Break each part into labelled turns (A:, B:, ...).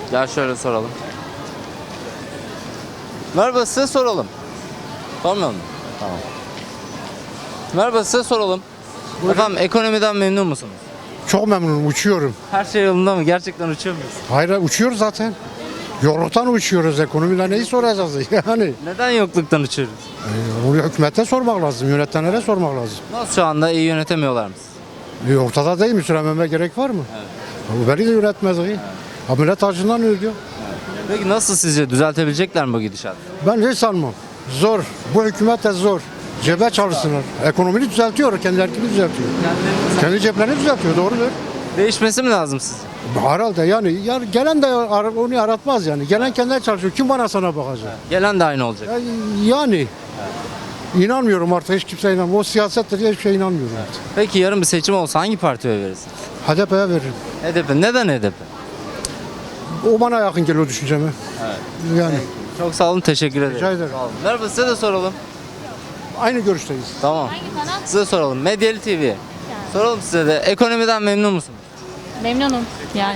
A: Gel şöyle soralım. Merhaba, size soralım. Sormayalım mı? Tamam. Merhaba, size soralım. Efendim, ekonomiden memnun musunuz?
B: Çok memnunum, uçuyorum.
A: Her şey yolunda mı? Gerçekten uçuyor muyuz?
B: Hayır, uçuyoruz zaten. Yokluktan uçuyoruz, ekonomiden neyi soracağız yani?
A: Neden yokluktan uçuyoruz?
B: Onu hükümete sormak lazım, yönetenlere sormak lazım.
A: Nasıl, şu anda iyi yönetemiyorlar mı?
B: Ortada değil mi? Söylememe gerek var mı? Bu beni de yönetmez. Ha, millet acından ölüyor.
A: Peki nasıl, sizce düzeltebilecekler mi bu gidişatı?
B: Ben hiç sanmam. Zor. Bu hükümet de zor. Cebe çalışsınlar. Ekonomiyi düzeltiyor, kendilerini düzeltiyor. Kendi ceplerini düzeltiyor, doğrudur.
A: Değişmesi mi lazım sizce?
B: Herhalde yani gelen de onu yaratmaz yani. Gelen kendine çalışıyor. Kim bana sana bakacak?
A: Gelen de aynı olacak.
B: Yani inanmıyorum artık, hiç kimseye inanmıyorum. O siyasettir diye hiçbir şeye inanmıyorum artık.
A: Peki yarın bir seçim olsa hangi partiye oy verirsin?
B: HDP'ye veririm.
A: HDP. Neden HDP?
B: O bana yakın geliyor düşünceme. Yani
A: Çok sağ olun, teşekkür ederim.
B: rica ederim.
A: Sağ olun. Merhaba, size de soralım.
B: Aynı görüşteyiz.
A: Tamam.
C: Hangi kanal?
A: Size soralım. Medyalı TV. Soralım size de. Ekonomiden memnun musunuz?
C: Memnunum yani.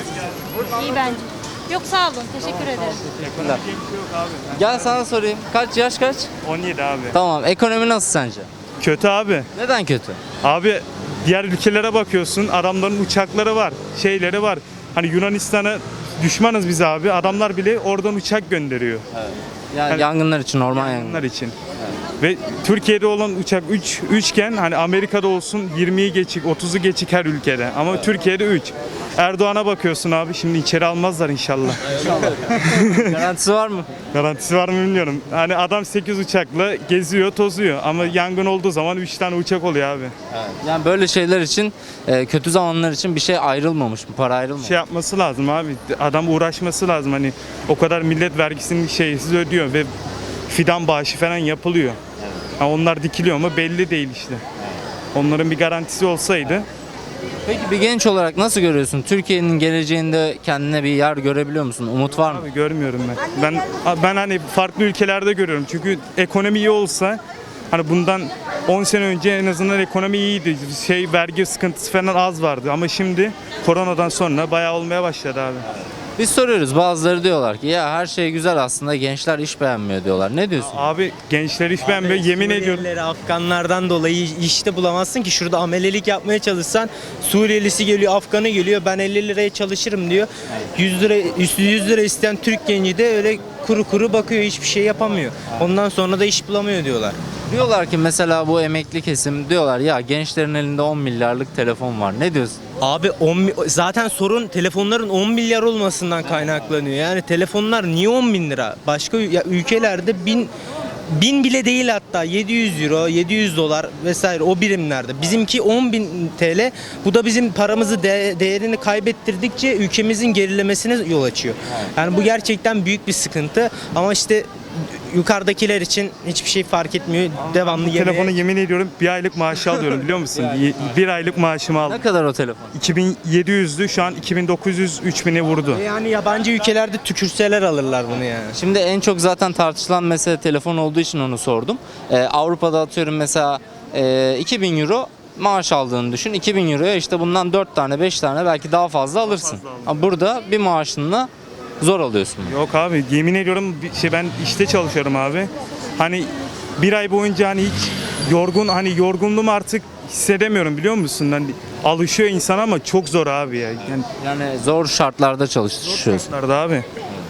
C: İyi bence. Yok sağ olun. Teşekkür ederim.
A: Teşekkürler. Gel sana sorayım. Yaş kaç?
D: 17 abi.
A: Tamam. Ekonomi nasıl sence?
D: Kötü abi.
A: Neden kötü?
D: Abi diğer ülkelere bakıyorsun. Adamların uçakları var. Şeyleri var. Hani Yunanistan'a düşmanız biz abi. Adamlar bile oradan uçak gönderiyor.
A: Yani yangınlar için, orman
D: Onlar
A: yangınları.
D: için. Ve Türkiye'de olan uçak 3 iken hani Amerika'da olsun 20'yi geçik, 30'u geçik her ülkede. Ama Türkiye'de 3. Erdoğan'a bakıyorsun abi, şimdi içeri almazlar inşallah.
A: Garantisi var mı?
D: Garantisi var mı bilmiyorum. Hani adam 8 uçakla geziyor, tozuyor. Ama yangın olduğu zaman 3 tane uçak oluyor abi.
A: Yani böyle şeyler için, kötü zamanlar için bir şey ayrılmamış mı? Para ayrılmamış.
D: Şey yapması lazım abi. Adam uğraşması lazım. Hani o kadar millet vergisini şeysiz ödüyor ve fidan bağışı falan yapılıyor. Ha, onlar dikiliyor mu belli değil işte. Onların bir garantisi olsaydı.
A: Peki bir genç olarak nasıl görüyorsun? Türkiye'nin geleceğinde kendine bir yer görebiliyor musun? Umut var mı?
D: Abi görmüyorum ben. Ben hani farklı ülkelerde görüyorum. Çünkü ekonomi iyi olsa hani bundan 10 sene önce en azından ekonomi iyiydi. Vergi sıkıntısı falan az vardı ama şimdi koronadan sonra bayağı olmaya başladı abi.
A: Biz soruyoruz, bazıları diyorlar ki ya her şey güzel aslında, gençler iş beğenmiyor diyorlar. Ne diyorsun?
D: Abi gençler iş beğenmiyor, yemin ediyorum.
E: Suriyelileri, Afganlardan dolayı işte bulamazsın ki. Şurada amelelik yapmaya çalışsan Suriyelisi geliyor, Afganı geliyor. Ben 50 liraya çalışırım diyor. 100 lira, 100 lira isteyen Türk genci de öyle kuru kuru bakıyor, hiçbir şey yapamıyor. Ondan sonra da iş bulamıyor diyorlar.
A: Diyorlar ki mesela bu emekli kesim diyorlar ya gençlerin elinde 10 milyarlık telefon var. Ne diyorsun?
E: Abi zaten sorun telefonların 10 milyar olmasından kaynaklanıyor. Yani telefonlar niye 10 bin lira? Başka ülkelerde bin bile değil, hatta 700 euro, 700 dolar vesaire o birimlerde. Bizimki 10 bin TL. Bu da bizim paramızı değerini kaybettirdikçe ülkemizin gerilemesine yol açıyor. Yani bu gerçekten büyük bir sıkıntı. Ama işte yukarıdakiler için hiçbir şey fark etmiyor. Devamlı
D: Bu
E: yemeğe...
D: telefonu yemin ediyorum bir aylık maaşı alıyorum biliyor musun? Bir aylık maaşımı
A: Ne
D: aldım.
A: kadar o telefon?
D: 2700'dü, şu an 2900-3000'e vurdu.
E: Yani yabancı ülkelerde tükürseler alırlar bunu yani.
A: Şimdi en çok zaten tartışılan mesele telefon olduğu için onu sordum. Avrupa'da atıyorum mesela 2000 euro maaş aldığını düşün. 2000 euroya işte bundan 4 tane 5 tane belki daha fazla alırsın. Ama burada bir maaşınla zor alıyorsun.
D: Yok abi yemin ediyorum ben işte çalışıyorum abi. Hani bir ay boyunca hani hiç yorgunluğumu artık hissedemiyorum biliyor musun? Hani alışıyor insan ama çok zor abi ya.
A: Yani zor şartlarda çalışıyorsun.
D: Şartlarda abi.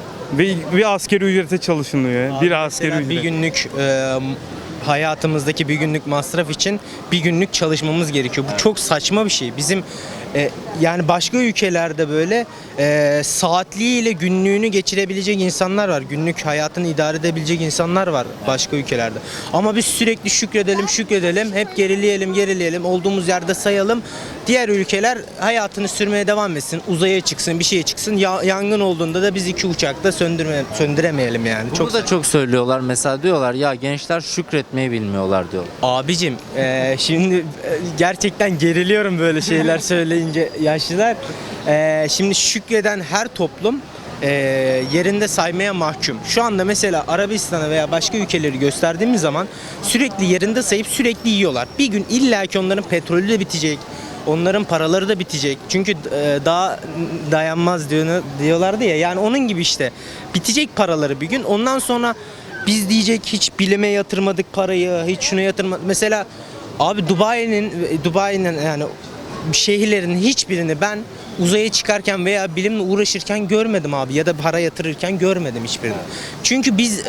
D: Bir asgari ücrete çalışılıyor. Bir asgari
E: Mesela bir
D: ücret.
E: günlük hayatımızdaki bir günlük masraf için bir günlük çalışmamız gerekiyor. Bu çok saçma bir şey. Bizim yani başka ülkelerde böyle saatliğiyle günlüğünü geçirebilecek insanlar var. Günlük hayatını idare edebilecek insanlar var başka ülkelerde. Ama biz sürekli şükredelim, hep gerileyelim, olduğumuz yerde sayalım. Diğer ülkeler hayatını sürmeye devam etsin, uzaya çıksın, bir şeye çıksın. Yangın olduğunda da biz 2 uçakta söndüremeyelim yani.
A: Bunu da çok söylüyorlar. Mesela diyorlar ya gençler şükretmeyi bilmiyorlar diyorlar.
E: Abicim şimdi gerçekten geriliyorum böyle şeyler söyleyince yaşlılar. Şimdi şükreden her toplum yerinde saymaya mahkum. Şu anda mesela Arabistan'a veya başka ülkeleri gösterdiğimiz zaman sürekli yerinde sayıp sürekli yiyorlar. Bir gün illaki onların petrolü de bitecek. onların paraları da bitecek. Çünkü daha dayanmaz diyorlardı ya. Yani onun gibi işte. Bitecek paraları bir gün. Ondan sonra biz diyecek hiç bilime yatırmadık parayı, hiç şuna yatırmadık. Mesela abi Dubai'nin yani şehirlerin hiçbirini ben uzaya çıkarken veya bilimle uğraşırken görmedim abi, ya da para yatırırken görmedim hiçbirini. Çünkü biz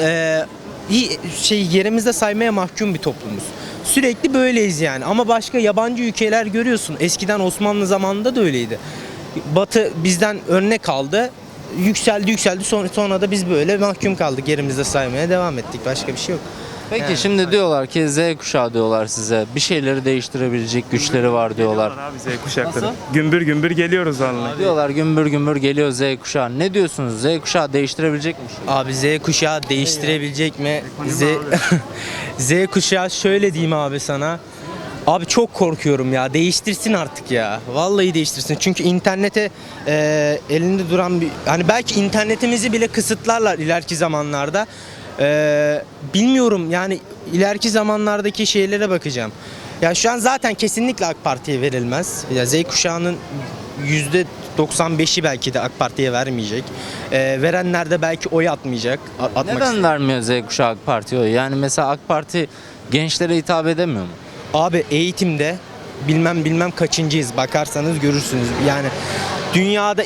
E: yerimizde saymaya mahkum bir toplumuz. Sürekli böyleyiz yani. Ama başka yabancı ülkeler görüyorsun. Eskiden Osmanlı zamanında da öyleydi. Batı bizden örnek aldı. Yükseldi sonra da biz böyle mahkum kaldık. Yerimizde saymaya devam ettik. Başka bir şey yok.
A: Peki
E: Yani.
A: şimdi diyorlar ki Z kuşağı diyorlar size. Bir şeyleri değiştirebilecek güçleri var diyorlar.
D: Abi Z kuşakları.
A: Nasıl?
D: Gümbür gümbür geliyoruz vallahi.
A: Diyorlar gümbür gümbür geliyor Z kuşağı. Ne diyorsunuz? Z kuşağı değiştirebilecek mi?
E: Abi Z kuşağı değiştirebilecek mi? Z kuşağı şöyle diyeyim abi sana. Abi çok korkuyorum ya. Değiştirsin artık ya. Vallahi değiştirsin. Çünkü internete elinde duran bir... Hani belki internetimizi bile kısıtlarlar ileriki zamanlarda. Bilmiyorum yani ileriki zamanlardaki şeylere bakacağım. Ya şu an zaten kesinlikle AK Parti'ye verilmez. Ya Z kuşağının %95'i belki de AK Parti'ye vermeyecek. Verenler de belki oy atmayacak.
A: Neden vermiyor Z kuşağı AK Parti'ye oy? Yani mesela AK Parti gençlere hitap edemiyor mu?
E: Abi eğitimde bilmem kaçıncıyız, bakarsanız görürsünüz. Yani dünyada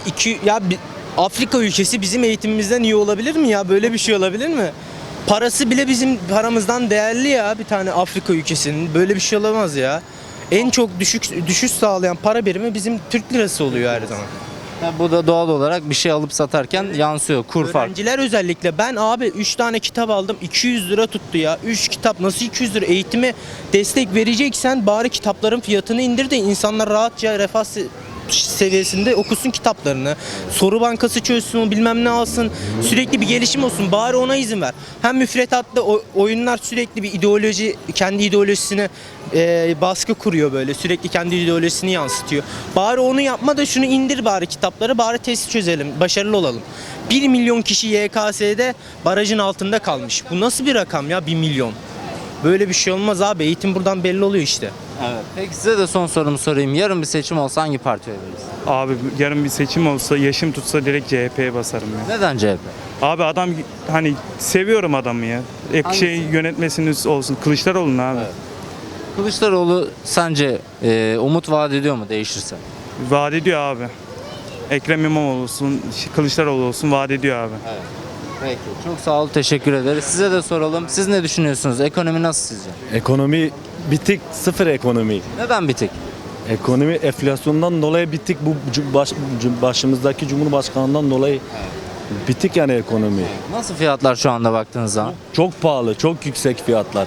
E: Afrika ülkesi bizim eğitimimizden iyi olabilir mi ya? Böyle bir şey olabilir mi? Parası bile bizim paramızdan değerli ya, bir tane Afrika ülkesinin. Böyle bir şey olamaz ya. En çok düşüş sağlayan para birimi bizim Türk lirası oluyor her zaman.
A: Bu da doğal olarak bir şey alıp satarken yansıyor kur farkı.
E: Öğrenciler özellikle, ben abi 3 tane kitap aldım, 200 lira tuttu ya. 3 kitap nasıl 200 lira? Eğitime destek vereceksen bari kitapların fiyatını indir de insanlar rahatça refah seviyesinde okusun kitaplarını. Soru bankası çözsün, bilmem ne alsın. Sürekli bir gelişim olsun. Bari ona izin ver. Hem müfredatta oyunlar sürekli bir ideoloji, kendi ideolojisine baskı kuruyor böyle. Sürekli kendi ideolojisini yansıtıyor. Bari onu yapma da şunu indir bari kitapları. Bari test çözelim. Başarılı olalım. 1 milyon kişi YKS'de barajın altında kalmış. Bu nasıl bir rakam ya, 1 milyon? Böyle bir şey olmaz abi. Eğitim buradan belli oluyor işte.
A: Evet. Peki size de son sorumu sorayım. Yarın bir seçim olsa hangi partiye veririz?
D: Abi yarın bir seçim olsa, yaşım tutsa direkt CHP'ye basarım ya.
A: Neden CHP?
D: Abi adam hani seviyorum adamı ya.
A: Hangisi?
D: Yönetmesiniz olsun. Kılıçdaroğlu'nun abi.
A: Evet. Kılıçdaroğlu sence umut vaat ediyor mu değişirse?
D: Vaat ediyor abi. Ekrem İmamoğlu olsun, Kılıçdaroğlu olsun vaat ediyor abi.
A: Peki. Çok sağ ol, teşekkür ederiz. Size de soralım. Siz ne düşünüyorsunuz? Ekonomi nasıl sizce?
F: Ekonomi bitik, sıfır ekonomi.
A: Neden bitik?
F: Ekonomi enflasyondan dolayı bitik, bu başımızdaki Cumhurbaşkanı'ndan dolayı bitik yani ekonomi.
A: Nasıl fiyatlar şu anda baktığınız zaman?
F: Çok pahalı, çok yüksek fiyatlar.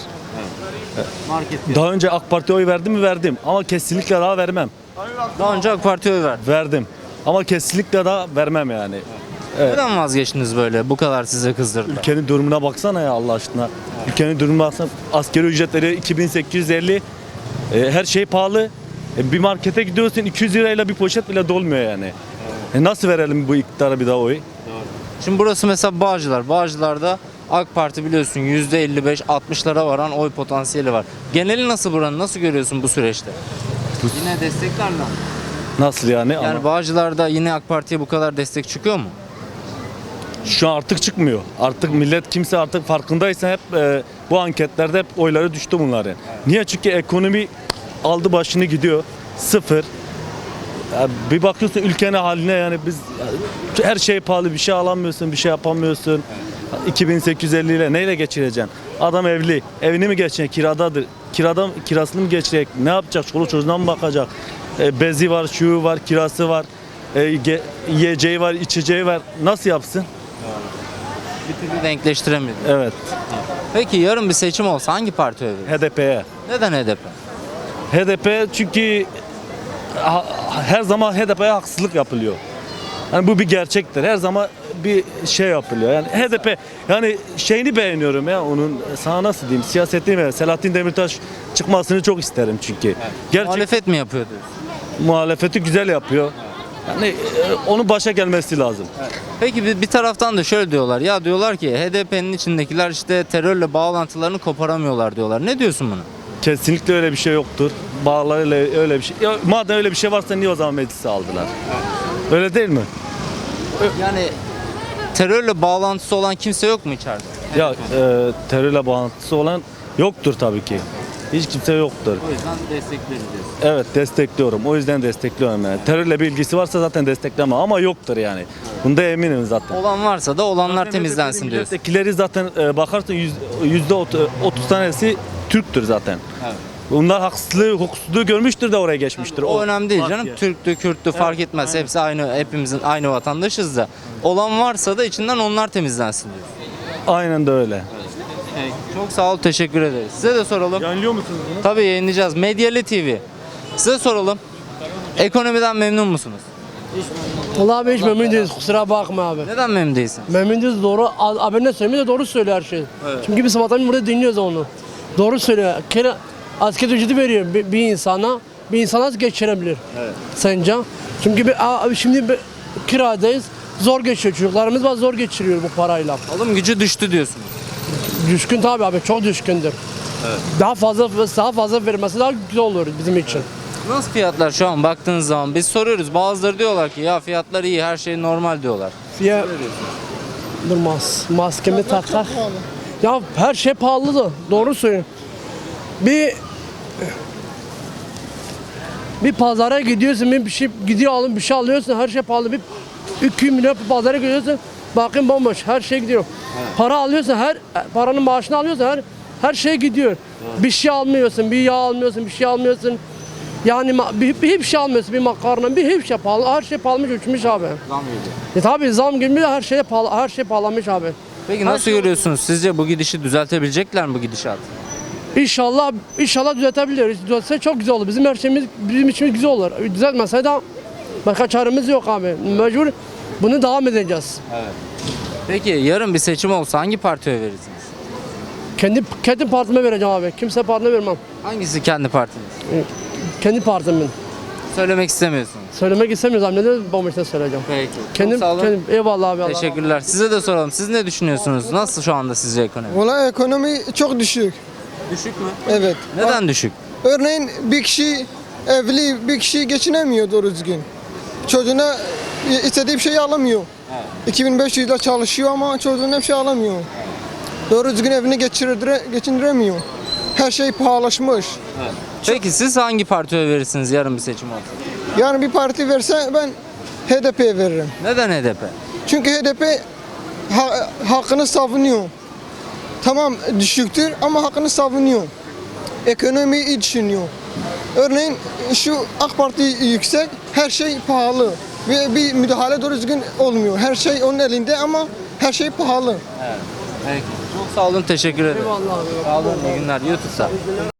A: Market
F: Daha önce AK Parti'ye oy verdim mi? Verdim. Ama kesinlikle daha vermem.
A: Daha önce AK Parti'ye oy verdim.
F: Verdim. Ama kesinlikle daha vermem yani.
A: Neden vazgeçtiniz böyle? Bu kadar size kızdırdı.
F: Ülkenin durumuna baksana ya Allah aşkına. Ülkenin durumuna baksana. Asgari ücretleri 2850. Her şey pahalı. Bir markete gidiyorsun 200 lirayla bir poşet bile dolmuyor yani. Nasıl verelim bu iktidara bir daha oy?
A: Şimdi burası mesela Bağcılar. Bağcılar'da AK Parti biliyorsun %55-60'lara varan oy potansiyeli var. Geneli nasıl buranın? Nasıl görüyorsun bu süreçte? Yine desteklerle.
F: Nasıl yani?
A: Yani Bağcılar'da yine AK Parti'ye bu kadar destek çıkıyor mu?
F: Şu an artık çıkmıyor. Artık millet kimse artık farkındaysa hep bu anketlerde hep oyları düştü bunların. Niye? Çünkü ekonomi aldı başını gidiyor. Sıfır. Ya bir bakıyorsun ülkenin haline yani biz her şey pahalı, bir şey alamıyorsun, bir şey yapamıyorsun. 2850 ile neyle geçireceksin? Adam evli. Evini mi geçecek? Kiradadır. Kirasını mı geçecek? Ne yapacak? Çoluk çocuğuna mı bakacak? Bezi var, şuyu var, kirası var. Yiyeceği var, içeceği var. Nasıl yapsın?
A: Bir türlü denkleştiremiyor.
F: Evet.
A: Peki yarın bir seçim olsa hangi partiye oy verirsin?
F: HDP'ye.
A: Neden HDP?
F: HDP çünkü her zaman HDP'ye haksızlık yapılıyor. Yani bu bir gerçektir. Her zaman bir şey yapılıyor. Yani HDP yani şeyini beğeniyorum ya onun, sana nasıl diyeyim, siyasetini ve Selahattin Demirtaş çıkmasını çok isterim çünkü. Gerçek
A: Muhalefet mi yapıyor diyorsun?
F: muhalefeti güzel yapıyor. Yani onun başa gelmesi lazım.
A: Peki bir taraftan da şöyle diyorlar. Ya diyorlar ki HDP'nin içindekiler işte terörle bağlantılarını koparamıyorlar diyorlar. Ne diyorsun buna?
F: Kesinlikle öyle bir şey yoktur. Bağlarıyla öyle bir şey. Ya, madem öyle bir şey varsa niye o zaman meclise aldılar? Öyle değil mi?
A: Yani terörle bağlantısı olan kimse yok mu içeride?
F: Ya terörle bağlantısı olan yoktur tabii ki. Hiç kimse yoktur.
A: O yüzden destekleriz diyorsun.
F: Evet, destekliyorum. O yüzden destekliyorum yani. Terörle bir ilgisi varsa zaten desteklemem ama yoktur yani. Bunda eminim zaten.
A: Olan varsa da olanlar
F: Zaten
A: temizlensin
F: HDP'li
A: diyorsun.
F: Milletvekilleri zaten bakarsın %30 tanesi Türktür zaten.
A: Evet.
F: Bunlar hukuksuzluğu görmüştür de oraya geçmiştir.
A: O önemli değil
F: Bak
A: canım.
F: ya.
A: Türktü, Kürttü fark etmez. Hepsi aynı, hepimizin aynı vatandaşız da. Olan varsa da içinden onlar temizlensin diyorsun.
F: Aynen de öyle.
A: Çok sağ ol, teşekkür ederiz. Size de soralım.
F: Yayınlıyor musunuz bunu?
A: Tabii yayınlayacağız. Medyali TV. Size soralım. Ekonomiden memnun musunuz?
G: Vallahi abi hiç memnun değiliz, kusura bakma abi.
A: Neden memnun değilsin?
G: Memnun değiliz, doğru. Abi ne söylüyor de doğru söylüyor her şey. Çünkü biz sabahtan burada dinliyoruz onu. Doğru söylüyor. Asgari ücreti veriyor bir insana. Bir insan nasıl geçirebilir? Sence? Çünkü şimdi kiradayız. Zor geçiyor, çocuklarımız var, zor geçiriyor bu parayla.
A: Alım gücü düştü diyorsunuz.
G: Düşkün tabii abi, çok düşkündür. Daha fazla vermesi daha güzel olur bizim için.
A: Nasıl fiyatlar şu an baktığınız zaman? Biz soruyoruz. Bazıları diyorlar ki ya fiyatlar iyi, her şey normal diyorlar.
G: Durmaz. Maskemi takar. Ya her şey pahalı da. Doğru söylüyorsun. Bir pazara gidiyorsun, bir şey bir şey alıyorsun, her şey pahalı. Bir 2 milyon pazara gidiyorsun, bakın bomboş, her şey gidiyor. Para alıyorsun, paranın maaşını alıyorsun, her şey gidiyor. Bir şey almıyorsun, bir yağ almıyorsun, bir şey almıyorsun. Yani hiçbir şey almıyorsun, bir makarna, hiçbir şey pahalı, her şey pahalı uçmuş abi.
A: Zam geliyor.
G: Tabii zam gibi her şey pahalı, her şey pahalanmış abi.
A: Peki nasıl görüyorsunuz? Sizce bu gidişi düzeltebilecekler mi bu gidişatı?
G: İnşallah düzeltebiliriz. Düzelse çok güzel olur. Bizim her şeyimiz bizim için güzel olur. Düzeltmese de başka çaremiz yok abi. Mecbur bunu devam edeceğiz.
A: Peki yarın bir seçim olsa hangi partiye verirsiniz?
G: Kendi partime vereceğim abi. Kimse partime vermem.
A: Hangisi kendi partiniz?
G: Kendi partimin.
A: Söylemek istemiyorsunuz.
G: Söylemek istemiyoruz abi. Neden bomboşta söyleyeceğim?
A: Peki.
G: Kendim,
A: Çok sağ olun.
G: eyvallah abi. Allah razı olsun.
A: Teşekkürler. Size de soralım. Siz ne düşünüyorsunuz? Nasıl şu anda sizce ekonomi?
H: Valla ekonomi çok düşük.
A: Düşük mü?
H: Evet.
A: Neden düşük?
H: Örneğin bir kişi evli, bir kişi geçinemiyor doğru düzgün. Çocuğuna istediği bir şey alamıyor. 2500 lira çalışıyor ama çocuğuna bir şey alamıyor. Doğru düzgün evini geçindiremiyor. Her şey pahalaşmış.
A: Peki siz hangi partiye verirsiniz yarın bir seçim olsa?
H: Yani bir parti verse ben HDP'ye veririm.
A: Neden HDP?
H: Çünkü HDP hakkını savunuyor. Tamam düşüktür ama hakkını savunuyor. Ekonomiyi iyi düşünüyor. Örneğin şu AK Parti yüksek, her şey pahalı. Ve bir müdahale doğru düzgün olmuyor. Her şey onun elinde ama her şey pahalı.
A: Peki. Çok sağ olun. Teşekkür ederim.
G: Eyvallah abi.
A: Sağ olun. İyi günler. YouTube'da.